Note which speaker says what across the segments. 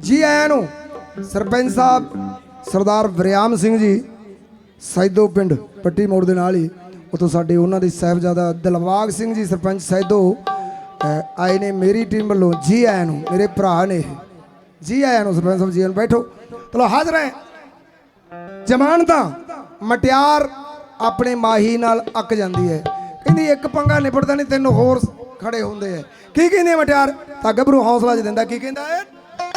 Speaker 1: जी आया नू सरपंच साहब सरदार वरियाम सिंह जी सैदो पिंड पट्टी मोड़ दे नाल ही उतों साडे उन्हां दे साहिबजादा दिलबाग सिंह जी सरपंच सैदो आए ने मेरी टीम वालों जी आया नू मेरे भरा ने जी आया नू सरपंच साहब जी आया बैठो चलो हाजिर है जमानता मटियार अपने माही नाल अक जाती है कहती एक पंगा निपटता नहीं तीन होर खड़े होंगे है की कहते मटियार तां गभरू हौसला ज दिंदा की कहंदा है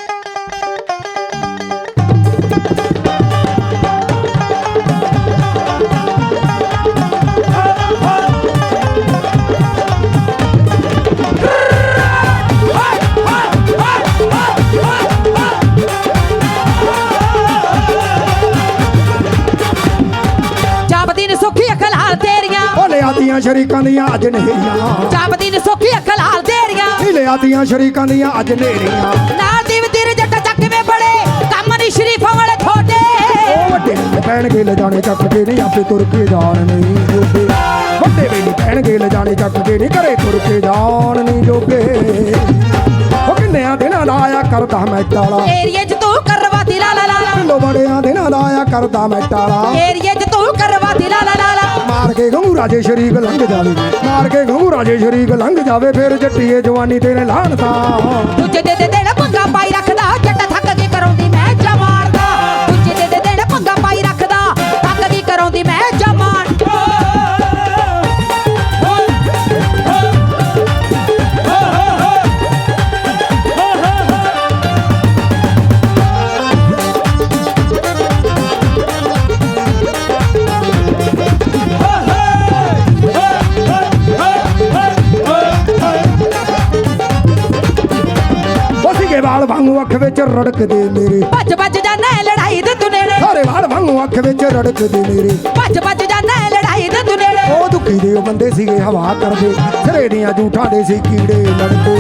Speaker 1: लिया शरीकां दियां अज नेरियां
Speaker 2: जापदी ने सोखी अख लाल देरियां
Speaker 1: लिया दियां शरीकां दियां अज नेरियां
Speaker 2: नाल दी तेरे जट्ट चक में बड़े कम नहीं शरीफां वाले थोड़े
Speaker 1: ओ वड्डे पैण के ले जाने चक के नहीं आपे तुर के जान नहीं जोगे वड्डे वेली पैण के ले जाने चक के नहीं करे तुर के जान नहीं जोगे ओ किन्ने दिनां दा आया करदा मैं टाला
Speaker 2: एरिया च तू करवा दी ला ला ला
Speaker 1: किलो बड़ियां दिनां दा आया करदा मैं टाला
Speaker 2: एरिया च तू करवा दी ला ला ला
Speaker 1: मार के गहू राजे शरीक लंघ जावे मार के गहू राजे शरीक लंघ जावे फिर जट्टीए जवानी तेरे लानता
Speaker 2: तुझे दे देना पंगा पाई रखदा जट्ट थक के करौंदी मैं जमारदा तुझे दे देना पंगा पाई रखदा थक के करौंदी मैं जमार
Speaker 1: वाल वांगू अख विच रड़कदे मेरे
Speaker 2: भज भज जाना लड़ाई दे तू नेड़े
Speaker 1: सारे वाल वांगू अख विच रड़कदे मेरे
Speaker 2: भज भज जाना लड़ाई दे तू नेड़े
Speaker 1: ओ दुखी दे बंदे सीगे हवा करदे सिरे दियां झूठां दे सी कीड़े लड़दे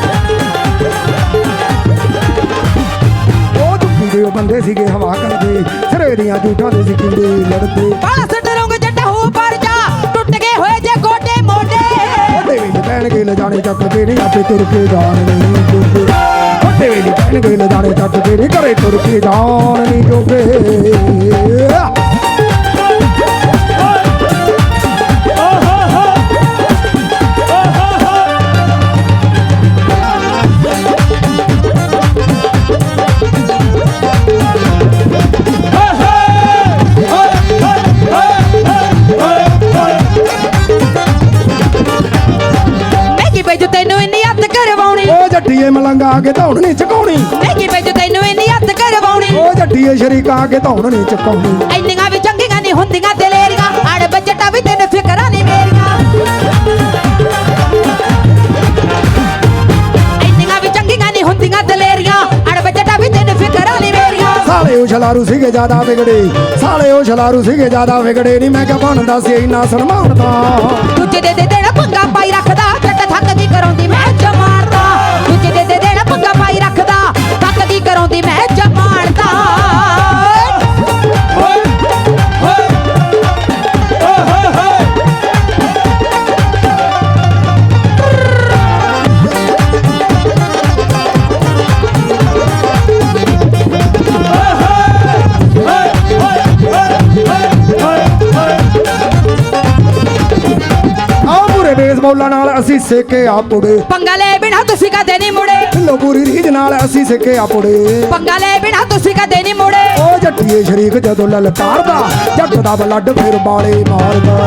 Speaker 1: ओ दुखी दे बंदे सीगे हवा करदे सिरे दियां झूठां दे सी कीड़े लड़दे
Speaker 2: पास डरोंगे जट्ट हो पर जा टूट गए होए जे गोडे मोडे
Speaker 1: ओडे वे पैण के ले जाने चक के नहीं आपे तुर के जान नहीं जोगे ओडे वे पैण के ले जाने चक के नहीं करे तुर के जान नहीं जोगे जट्टीए मलंगा के धौन नहीं चकाउणी
Speaker 2: मैगी बेज तैनू इन्नी हੱਥ करवाउणी
Speaker 1: ओ जट्टीए शरीका के धौन नहीं चकाउणी
Speaker 2: ਇੰਨੀਆਂ ਵੀ ਚੰਗੀਆਂ ਨਹੀਂ ਹੁੰਦੀਆਂ ਦਲੇਰੀਆਂ ਅੜ ਬਜਟਾ ਵੀ ਤੈਨੂੰ ਫਿਕਰਾਂ ਨਹੀਂ ਮੇਰੀਆਂ ਇੰਨੀਆਂ ਵੀ ਚੰਗੀਆਂ ਨਹੀਂ ਹੁੰਦੀਆਂ ਦਲੇਰੀਆਂ ਅੜ ਬਜਟਾ ਵੀ ਤੈਨੂੰ ਫਿਕਰਾਂ ਨਹੀਂ ਮੇਰੀਆਂ
Speaker 1: साले ओ छलारू सीगे ज्यादा बिगड़े साले ओ छलारू सीगे ज्यादा बिगड़े नहीं मैं क्या बनदा सी इन्ना सनमानदा
Speaker 2: तुझे दे देना पंगा पाई रखदा जੱਟ थक की करौंदी मैं जमारदा तुझे दे देना पंगा पाई रखदा थक की करौंदी मैं जमारदा
Speaker 1: बेसबॉला नाल असी सेके आपुड़े
Speaker 2: पंगा ले बिना तुसी कदे नहीं मुड़े
Speaker 1: लो पूरी रीज नाल असी सेके आपुड़े
Speaker 2: पंगा ले बिना तुसी कदे नहीं मुड़े
Speaker 1: ओ जट्टीए शरीक जदों ललकारदा जट दा ब्लड फिर बाले मारदा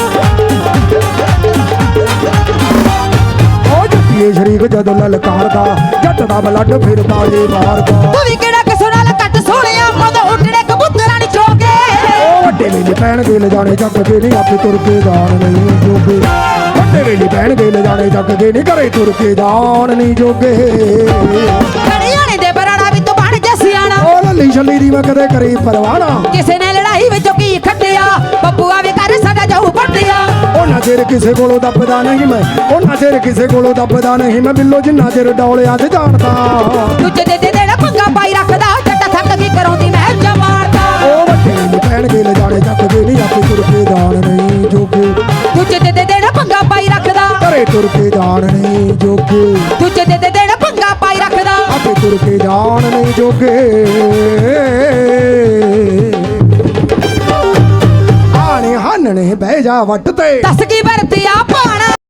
Speaker 1: ओ जट्टीए शरीक जदों ललकारदा जट दा ब्लड फिर बाले मारदा
Speaker 2: तू भी केड़ा कसो नाल कट सोहणिया मद उठड़े कबूतरां नी चोके
Speaker 1: ओ वड्डे वेले पैण के ले जाने चक के नहीं आपे तुर के जान नहीं जोगे वेली पैण के ले जाने चक के नहीं करे तुर के जान नहीं जोगे
Speaker 2: कड़ियाने दे बराड़ा भी तू बन जा सियाणा
Speaker 1: ओ लली छली दी मैं कदे करी परवाना
Speaker 2: किसे ने लड़ाई विचों की खट्टिया बब्बूआ भी कर साडा जाऊ पट्टिया
Speaker 1: ओना चेर किसे कोलों दबदा नहीं मैं ओना चेर किसे कोलों दबदा नहीं मैं बिल्लो जिन्ना चेर डौलियां ते जानदा
Speaker 2: तुझे दे देना पंगा पाई रखदा जट्ट थक की करौंदी मैं जमारदा
Speaker 1: ओ वड्डे वेली पैण के ले जाने चक के नहीं आपे तुर के जान नहीं जोगे
Speaker 2: तुझे दे देना पंगा पाई रखदा
Speaker 1: करे तुर के जान नहीं जोगे
Speaker 2: तुझे दे देना पंगा पाई रखदा
Speaker 1: आपे तुर ਮੁੜ ਕੇ ਜਾਣ ਨਹੀਂ ਜੋਗੇ ਆਣੇ ਹਾਨਣੇ ਬਹਿ ਜਾ ਵੱਟ ਤੇ
Speaker 2: ਦੱਸ ਕੀ ਵਰਤਿਆ ਪਾਣਾ